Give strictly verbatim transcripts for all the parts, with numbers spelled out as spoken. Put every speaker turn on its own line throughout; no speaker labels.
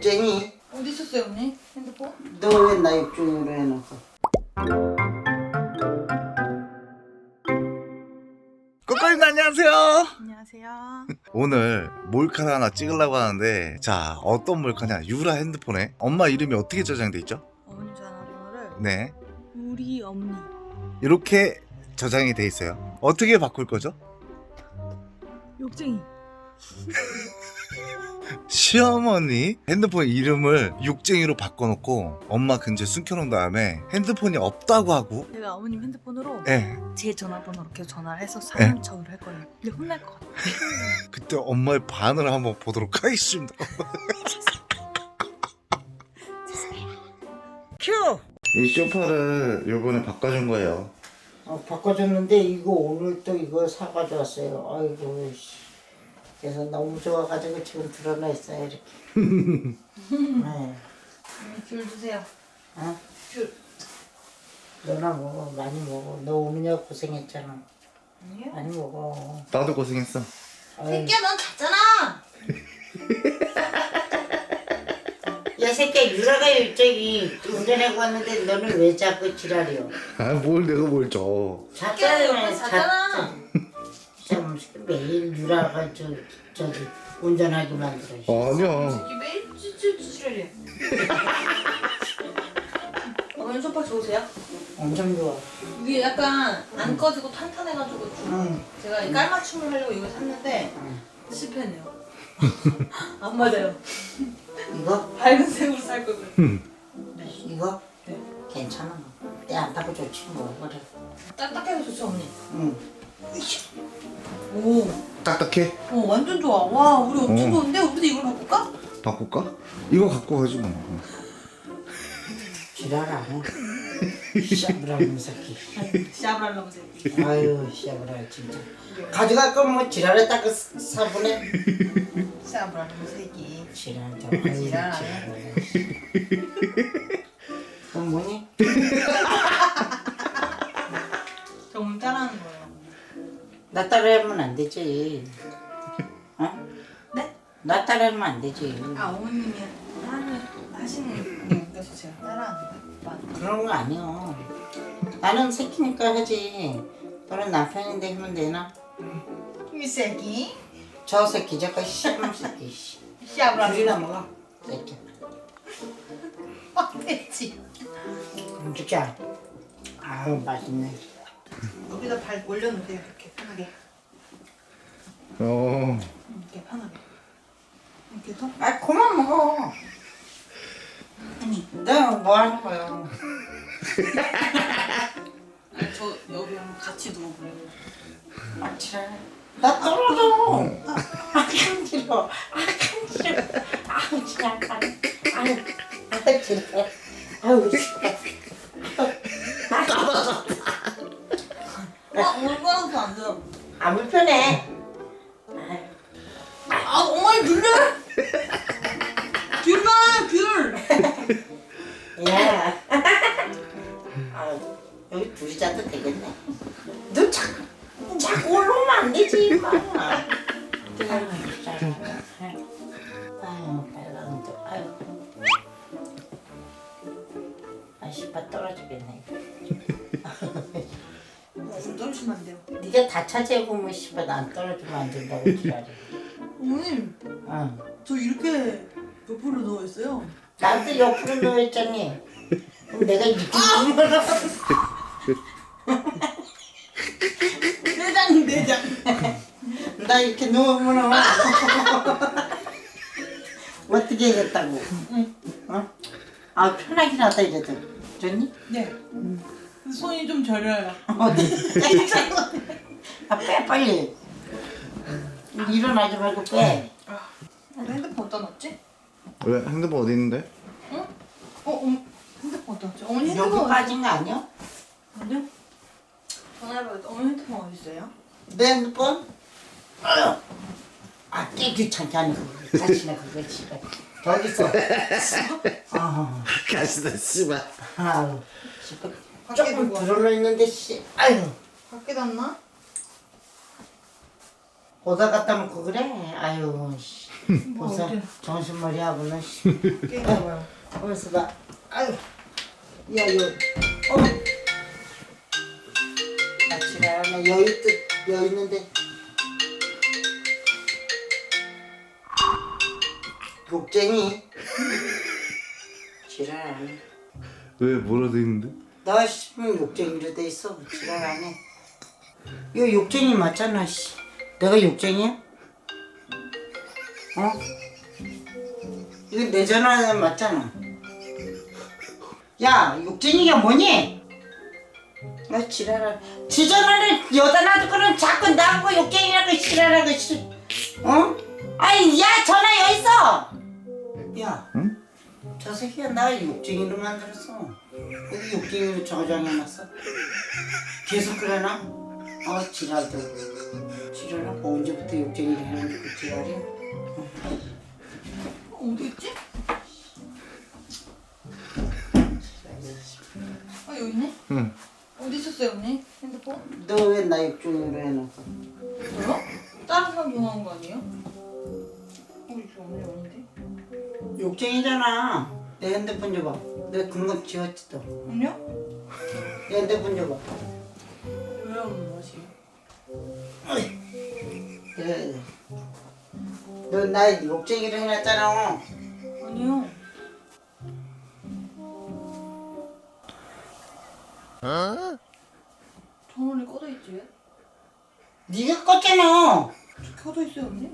육쟁이.
어디 있었어요 언니? 핸드폰?
너 왜 나 육중으로 해놓고.
꼬꼬님 안녕하세요.
안녕하세요.
오늘 몰카를 하나 찍으려고 하는데, 자, 어떤 몰카냐? 유라 핸드폰에 엄마 이름이 어떻게 저장돼 있죠?
어머님 전화번호를
네,
우리 어머니
이렇게 저장이 돼 있어요. 어떻게 바꿀 거죠?
욕쟁이.
시어머니 핸드폰 이름을 육쟁이로 바꿔놓고 엄마 근처에 숨겨놓은 다음에 핸드폰이 없다고 하고,
제가 어머님 핸드폰으로
예,
제 전화번호로 계속 전화를 해서 사용척을 할 거예요. 근데 혼날 것 같아요.
그때 엄마의 반응을 한번 보도록 하겠습니다.
큐!
이 소파를 요번에 바꿔준 거예요.
어, 바꿔줬는데 이거 오늘 또 이거 사가져 왔어요. 아이고 씨. 그래서 너무 좋아가지고 지금 드러나 있어요 이렇게. 네.
언니 귤 주세요.
어?
귤.
너나 먹어. 많이 먹어. 너 오느냐고 고생했잖아.
아니요.
많이 먹어.
나도 고생했어.
아유,
새끼야 넌 잤잖아.
야 새끼야 유라가 일정이 운전하고 왔는데 너는 왜 자꾸 지랄이여?
아, 뭘 내가 뭘 줘.
새끼야 옆에 잤잖아.
참 매일 유라가 저 저기 운전하게 만들어.
아니야.
새끼 매일 쭈쭈쭈쭈래. 어머님 소파 좋으세요?
엄청 좋아.
이게 약간 안 꺼지고 탄탄해가지고 좀
응.
제가 이 깔맞춤을 하려고 이거 샀는데
응.
실패했네요. 안 맞아요.
이거?
밝은 색으로 살 걸 그랬어요.
이거?
네.
괜찮아. 때 안 타고 좋지 뭐. 그래.
딱딱해서 좋죠 어머니.
응.
오,
딱딱해?
어 완전 좋아. 와 우리 엄청
어.
좋은데 우리도 이걸 바꿀까?
바꿀까? 이거 갖고 가지 뭐.
지랄 안 해. 샤브라는 새끼.
샤브랄라고 새끼.
아유 샤브라 진짜. 가져갈 거면 뭐 지랄에다 그 사보내.
샤브랄라고 새끼.
지랄 좀.
지랄 안 해.
그건 뭐니?
정말 따라하는 거예요.
나 따라하면 안 되지. 어?
네?
나 따라하면 안 되지.
아 어머님이 하는 하시는 그래서 제가 따라하는 거예요.
그런 거 아니야. 나는 새끼니까 하지. 너는 남편인데 하면 되나?
이 새끼.
저 새끼 저거 씨발 새끼. 씨.
샤브랄라.
귤이나 먹어. 새끼.
됐지.
그럼 주자. 아우 맛있네.
여기다 발 올려놓으세요. 이렇게 편하게.
어.
이렇게 편하게. 이렇게 해서.
아 그만 먹어. 내가 뭐 하는 거야?
아니 저 여기 한번 같이 누워보래요.
아 지랄. 나 떨어져. 아 간지러. 아 간지러. 아우 지랄 간. 아우 아 지랄. 아우 지랄.
아 얼마나 안 돼요.
아 불편해.
아 어머니 눌려. 귤 봐, 귤.
야. 아 여기 둘이 자도 되겠네. 너 자꾸 자꾸 올라오면 안 되지 임마. 아유 빨강 또 아유. 아 씨발 떨어지겠네.
무슨 떨어지면 안 돼요.
네가 다 차지하고 뭐 씨발 난 떨어지면 안 된다고 지랄이.
어머님,
응.
저 이렇게 옆으로 누워 있어요.
나도 옆으로 누워있잖니. 그럼 내가 이렇게 누우면
내장, 내장.
나 이렇게 누우면 어떻게 해겠다고? 어? 아 편하긴 하다 이래도. 좋니?
네. 손이 좀 저려요.
어디? 아 빼 빨리. 일어나지 말고 빼.
우리 핸드폰 어디다 놨지?
왜? 핸드폰 어디 있는데?
어? 어, 어 핸드폰 어디다 놨지? 어머니 핸드폰
여기
어디
빠진 거 아니야?
아니요? 전화해봐요. 어머니 핸드폰 어디 있어요?
내 핸드폰? 아유. 아, 꽤 귀찮게 하는 거. 다시나 그거 씨발. 저기 있어. 아,
가시다 씨발.
아유. 씨발.
밖에
조금
두고
들어놓 있는데 씨. 아유.
밖에 놨나?
오다 갔다 놓고 그래. 아유 씨.
뭐
벌써
어디
정신머리 하고는 씨.
게임해봐요.
벌써 봐. 아유, 야, 요, 어. 아, 지랄하네. 여유 뜻, 여유 있는데. 욕쟁이. 지랄하네.
왜 뭐라 돼 있는데?
나 싶으면 욕쟁이로 돼 있어. 지랄하네. 이거 욕쟁이 맞잖아, 씨. 내가 욕쟁이야? 어? 이거 내 전화 맞잖아. 야, 욕쟁이가 뭐니? 아, 지랄하. 지 전화를 여다 놔두고는 자꾸 나하고 욕쟁이라고 지랄하고 씨. 어? 아니, 야, 전화 여기 있어. 야,
응?
저 새끼가 나 욕쟁이로 만들었어. 여기 욕쟁이로 저장해놨어. 계속 그러나? 아, 지랄도. 지랄하고 언제부터 욕쟁이를 해놨는데 그 지랄이야?
어디 있지? 아 여기 있네?
응.
어디 있었어요 언니? 핸드폰?
너 왜 나 욕쟁이로 해놨어?
저요? 다른 사람 전화한 거 아니에요? 어 이거 언니 아닌데?
욕쟁이잖아. 내 핸드폰 줘봐. 내가 금방 지웠지 또.
언니요?
내 핸드폰 줘봐.
왜요 언니 마시?
그래. 너 나 욕쟁이를 해놨잖아.
아니요. 전원이 꺼져 있지 왜?
네가 껐잖아.
저 켜져 있어요 언니?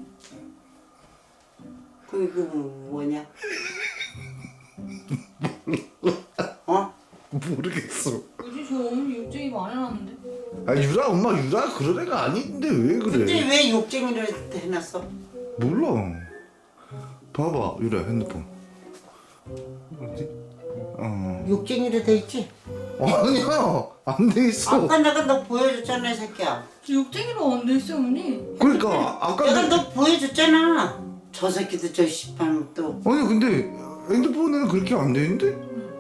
그, 그, 뭐냐? 어?
모르겠어.
뭐지 저 언니 욕쟁이 말 안 해놨는데?
아 유라 엄마 유라 그런 애가 아닌데 왜
근데
그래?
왜 욕쟁이를 해놨어?
몰라. 봐봐 유라 핸드폰. 어디? 어.
욕쟁이로 돼 있지?
아니야 안 돼 있어.
아까 내가 너 보여줬잖아, 이 새끼야.
저 욕쟁이로 안 돼 있어요 언니.
그러니까 아까
내가
내...
너 보여줬잖아. 저 새끼도 저 씨발 또.
아니 근데 핸드폰에는 그렇게 안 돼 있는데?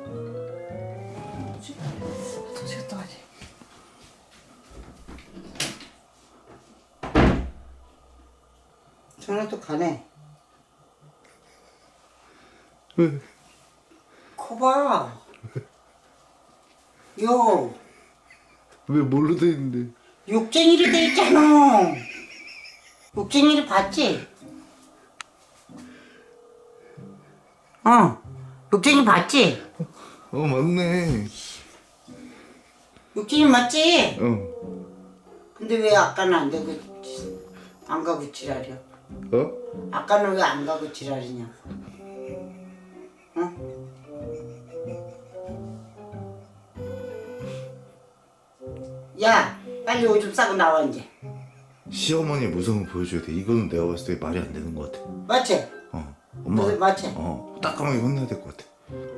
뭐지? 다시 갔다 와야지.
전화 또 가네.
왜?
거봐. 요,
왜 뭘로 돼 있는데?
욕쟁이로 돼 있잖아. 욕쟁이를 봤지? 어, 욕쟁이 봤지?
어 맞네.
욕쟁이 맞지?
어.
근데 왜 아까는 안 되고 안 가고 지랄이야?
어?
아까는 왜 안 가고 지랄이냐? 어? 야, 빨리 오줌 싸고 나와 이제.
시어머니 무서운 거 보여줘야 돼. 이거는 내가 봤을 때 말이 안 되는 것 같아.
맞지?
어. 엄마.
너 맞지?
어. 따끔하게 혼내야 될 것 같아.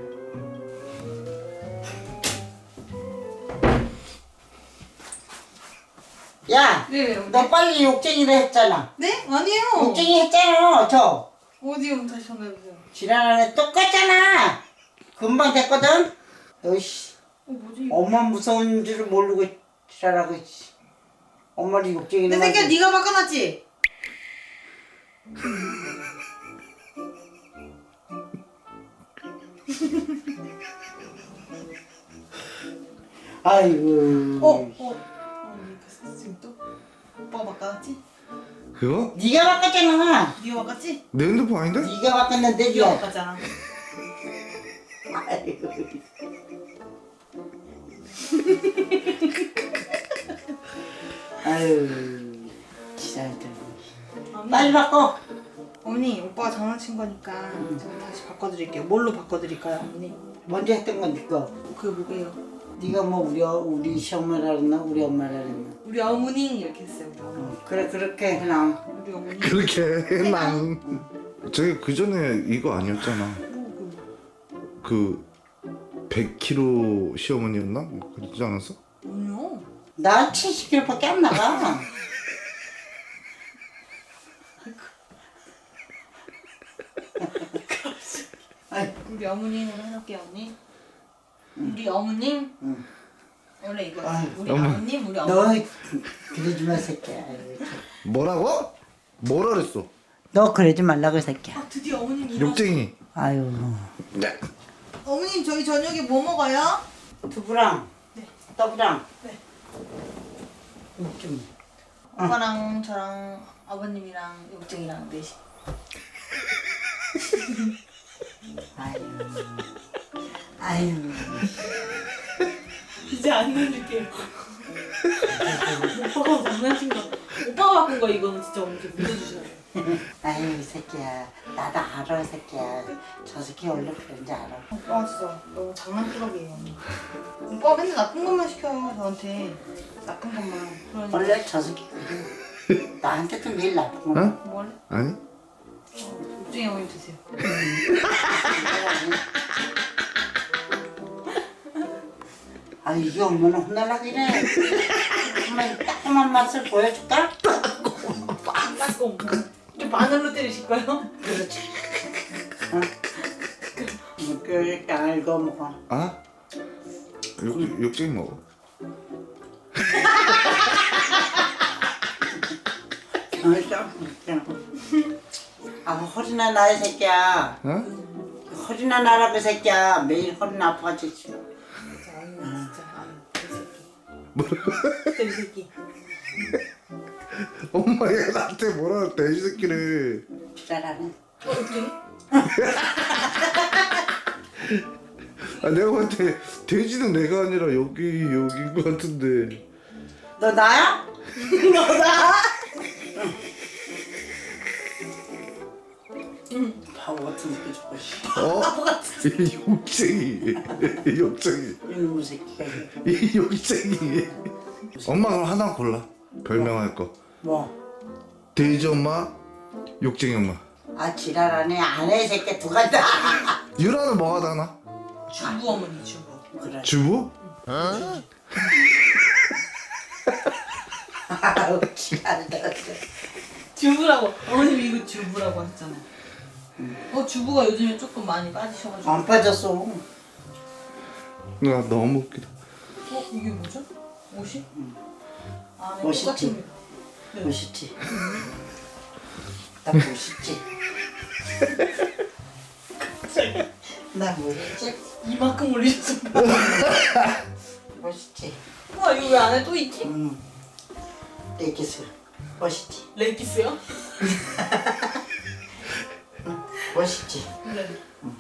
야,
네
너 빨리 욕쟁이를 했잖아.
네? 아니에요.
욕쟁이 했잖아. 저
어디요? 다시 전화해보세요.
지랄하네 똑같잖아. 금방 됐거든. 너씨
어 뭐지?
엄마 무서운 줄 모르고 지랄하고 있지. 엄마를 욕쟁이를
내 새끼야
만들-
네가 바꿔놨지?
아이고.
어? 어? 언니 그 지금 또? 오빠가 바꿔놨지?
그거?
네가 바꿨잖아.
네가 바꿨지?
내 핸드폰 아닌데?
네가 바꿨는데
네가
네가.
바꿨잖아.
아이고. 아유, 지랄들.
언니,
빨리 바꿔.
언니 오빠가 장난친 거니까 제가 다시 바꿔드릴게요. 뭘로 바꿔드릴까요 언니?
먼저 했던 건 네가.
그게 뭐게요?
네가 뭐 우리 어- 우리 시엄마라 그랬나 우리 엄마라 그랬나.
우리 어머니 이렇게 했어요 우리 어머니.
어, 그래 그렇게 그냥.
우리 어머니.
그렇게 해낭. 저기 그 전에 이거 아니었잖아.
뭐, 그,
그 백 킬로그램 시어머니였나? 뭐 그러지 않았어?
아니요.
나 칠십 킬로그램밖에 안 나가. 아이,
우리 어머님으로 해놓을게요 언니. 우리 어머님.
응.
원래 이거
아이,
우리
어머.
어머님 우리
너
어머님.
그러지 마 새끼야. 아이고, 참.
뭐라고? 뭐라 그랬어?
너 그러지 말라고 이 새끼야.
아 드디어 어머님 일어나.
욕쟁이.
아유.
네.
어머님 저희 저녁에 뭐 먹어요?
두부랑
네.
떡이랑
네.
좀.
오빠랑 저랑 아버님이랑 욕쟁이랑 넷이.
아유. 아유.
이제 안 눌릴게요. 오빠가 장난친 거. 오빠가 바꾼 거 이거는 진짜 어머니 믿어주셔야 돼요.
아유 이 새끼야. 나도 알아 이 새끼야. 저 새끼 원래 그런지 알아.
오빠 진짜 너무 장난꾸러기예요. 언니. 오빠 맨날 나쁜 것만 시켜요 저한테. 나쁜 것만. 그러니까
원래 저 새끼 그래. 나한테도 매일 나쁜 거.
어?
뭐 할래?
아니?
욕쟁이 어머님 드세요.
아 이게 얼마나 혼날라 그래. 한번 따끔한 맛을 보여줄까?
닦고 좀 바늘로 때리실까요?
그렇지. 어? 이렇게 알고 먹어.
아? 욕, 욕쟁이 먹어.
알죠? 아 허리나 나이 새끼야.
어?
허리나 나라고 새끼야. 매일 허리나 아파가지고.
진짜 아유 진짜 아유 이 새끼. 진짜 이 새끼.
엄마 얘 나한테 뭐라 했대 이 새끼를.
지랄하네.
어 욕쟁이?
아 내가 볼 때 돼지는 내가 아니라 여기 여기인 것 같은데.
너 나야?
너다?
바보 같은 새끼 저거. 씨.
어? 이 욕쟁이. 이 욕쟁이.
이놈의 새끼가 이게.
이 욕쟁이. 엄마 그럼 하나 골라. 별명할 거.
뭐?
돼지 엄마, 욕쟁이 엄마.
아 지랄하네. 안해 이 새끼 두 가지 다.
유라는 뭐가 다나?
주부 어머니 주부.
그래.
주부?
아우 지랄다.
주부라고 어머님 이거 주부라고 하셨잖아요. 어 주부가 요즘에 조금 많이 빠지셔가지고.
안 빠졌어.
나 너무 웃기다.
어 이게 뭐죠? 옷이? 아
멋있지?
똑같은. 네.
멋있지? 나 멋있지? 나 멋있지?
이만큼 올리셨어.
멋있지?
와 이거 왜 안에 또 있지?
응. 내 기술. 멋있지?
레기스요?
멋있지?
네.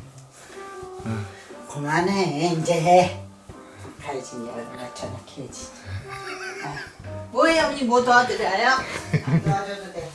그만해 이제. 가야지 이제 얼마나 저녁해야지.
뭐예요 어머니 뭐 도와드려요?
안 도와줘도 돼.